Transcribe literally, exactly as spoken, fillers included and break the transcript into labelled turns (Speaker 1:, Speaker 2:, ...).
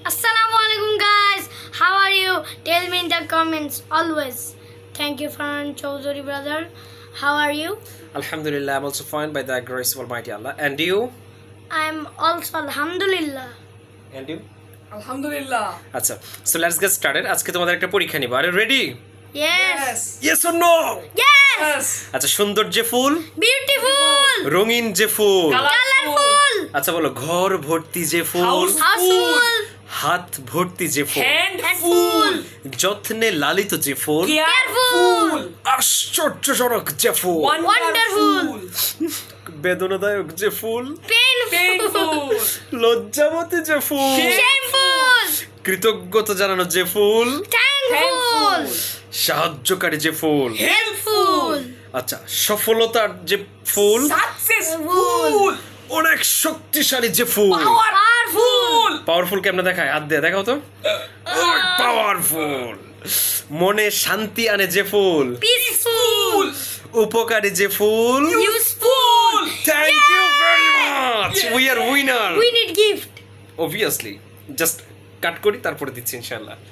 Speaker 1: Assalamu alaikum guys. How are you? Tell me in the comments always. Thank you, Farhan Chowdhury brother. How are you?
Speaker 2: Alhamdulillah, I'm also fine by the grace of Almighty Allah. And you?
Speaker 1: I'm also Alhamdulillah.
Speaker 2: And you?
Speaker 3: Alhamdulillah.
Speaker 2: আচ্ছা, so let's get started. আজকে তোমাদের একটা পরীক্ষা নিব। Are you ready?
Speaker 1: Yes.
Speaker 2: Yes or no?
Speaker 1: Yes.
Speaker 3: Yes.
Speaker 2: আচ্ছা, সুন্দর যে ফুল,
Speaker 1: Beautiful.
Speaker 2: রঙিন যে ফুল।
Speaker 1: Colorful.
Speaker 2: আচ্ছা বলো, ঘর ভর্তি যে ফুল,
Speaker 3: House-
Speaker 1: Houseful.
Speaker 2: হাত ভর্তি যে ফুল,
Speaker 3: Handful.
Speaker 2: যত্নে লালিত যে ফুল,
Speaker 3: Careful.
Speaker 2: আশ্চর্যজনক যে ফুল,
Speaker 1: Wonderful.
Speaker 2: বেদনাদায়ক যে ফুল,
Speaker 1: Painful.
Speaker 3: Painful.
Speaker 2: লজ্জাবতী যে ফুল,
Speaker 1: Shameful.
Speaker 2: কৃতজ্ঞতা জানানো যে ফুল,
Speaker 1: Thankful.
Speaker 2: সাহায্যকারী যে ফুল।
Speaker 1: Helpful.
Speaker 2: আচ্ছা, সফলতার যে ফুল,
Speaker 3: Successful.
Speaker 2: অনেক শক্তিশালী যে ফুল।
Speaker 3: Powerful.
Speaker 2: পাওয়ারফুল কেমনে দেখায়? হাত দিয়ে দেখাও তো। পাওয়ারফুল। মনে শান্তি আনে যে ফুল,
Speaker 1: Peaceful.
Speaker 2: উপকারী যে ফুল।
Speaker 1: Useful.
Speaker 2: Thank you very much, we are winner.
Speaker 1: We need gift.
Speaker 2: Obviously, just cut করি তারপরে দিচ্ছি ইনশাআল্লাহ।